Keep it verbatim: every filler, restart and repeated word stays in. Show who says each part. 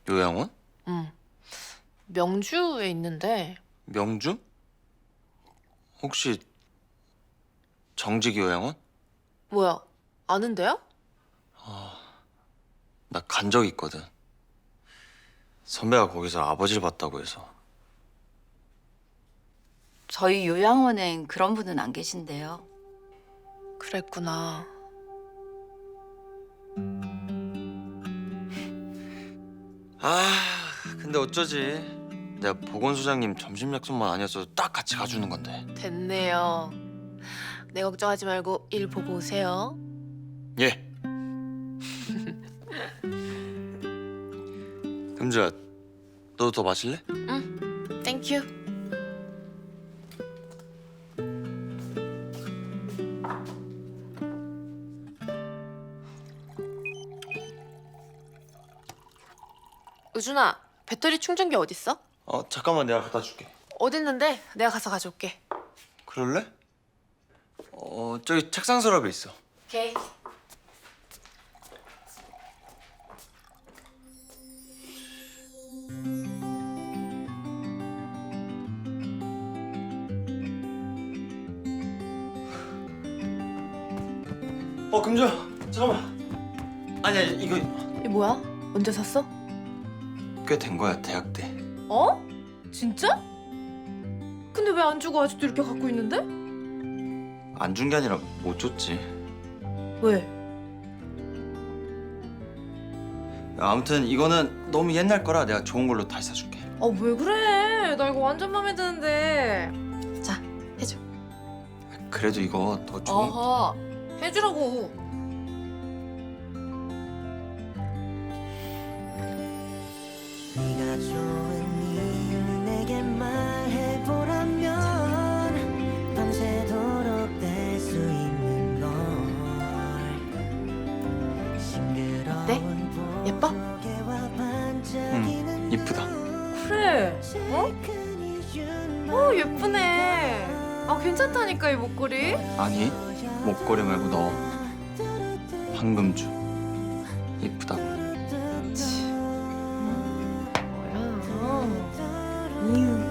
Speaker 1: 요양원?
Speaker 2: 응. 명주에 있는데.
Speaker 1: 명주? 혹시 정직 요양원?
Speaker 2: 뭐야, 아는데요?
Speaker 1: 나 간 적 있거든. 선배가 거기서 아버지를 봤다고 해서.
Speaker 3: 저희 요양원엔 그런 분은 안 계신데요.
Speaker 2: 그랬구나.
Speaker 1: 아, 근데 어쩌지. 내가 보건소장님 점심 약속만 아니었어도 딱 같이 가주는 건데.
Speaker 2: 됐네요. 내 걱정하지 말고 일 보고 오세요.
Speaker 1: 예. 금주야, 너도 더 마실래?
Speaker 2: 응, 땡큐. 우준아, 배터리 충전기 어딨어?
Speaker 1: 어, 잠깐만 내가 갖다 줄게.
Speaker 2: 어딨는데? 내가 가서 가져올게.
Speaker 1: 그럴래? 어, 저기 책상 서랍에 있어.
Speaker 2: 오케이.
Speaker 1: 어, 금주야, 잠깐만. 아니야, 이거
Speaker 2: 이게 뭐야? 언제 샀어?
Speaker 1: 꽤 된 거야, 대학 때.
Speaker 2: 어? 진짜? 근데 왜 안 주고 아직도 이렇게 갖고 있는데?
Speaker 1: 안 준 게 아니라 못 줬지.
Speaker 2: 왜?
Speaker 1: 아무튼 이거는 너무 옛날 거라 내가 좋은 걸로 다시 사줄게.
Speaker 2: 아, 왜 그래? 나 이거 완전 마음에 드는데. 자, 해줘.
Speaker 1: 그래도 이거 더 좋은.
Speaker 2: 아하, 해주라고.
Speaker 4: 네가 좋은 이유 내게 말해보라면 밤새도록 뗄 수 있는 걸 싱그러운
Speaker 2: 어때? 예뻐?
Speaker 1: 응, 이쁘다.
Speaker 2: 그래. 어? 어, 예쁘네. 아, 괜찮다니까, 이 목걸이.
Speaker 1: 아니, 목걸이 말고 너. 황금주. 이쁘다고.
Speaker 2: 뭐야. 음.